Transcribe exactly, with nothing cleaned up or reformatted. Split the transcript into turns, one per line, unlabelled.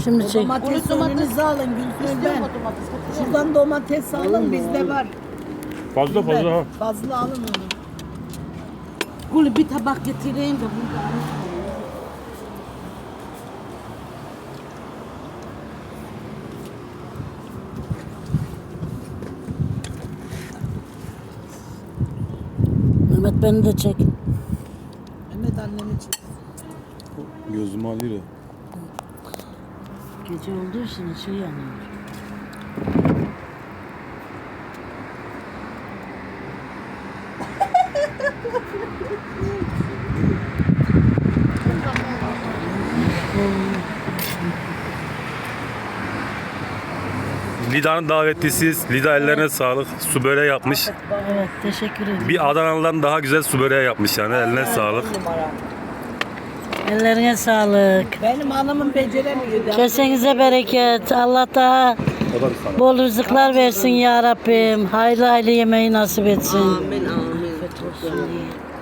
Şimdi çek.
Domates önünüze alın Gülsün ben. Şuradan domates alın bizde var.
Fazla fazla ha.
Fazla alın onu.
Gülü bir tabak getireyim de burada. Mehmet beni de çek.
Mehmet annemi çek.
Gözümü alıyor.
Gece olduğu için şey yanıyor.
Lida'nın davetlisiyiz. Lida ellerine sağlık. Su böreği yapmış.
Evet, teşekkür ederim.
Bir Adanalı'dan daha güzel su böreği yapmış yani. Eline sağlık.
Ellerine sağlık.
Benim hanımım beceremiyor.
Kesenize bereket. Allah daha bol rızıklar versin ya Rabbim. Hayırlı hayırlı yemeği nasip etsin.
Amin amin.
Afiyet olsun.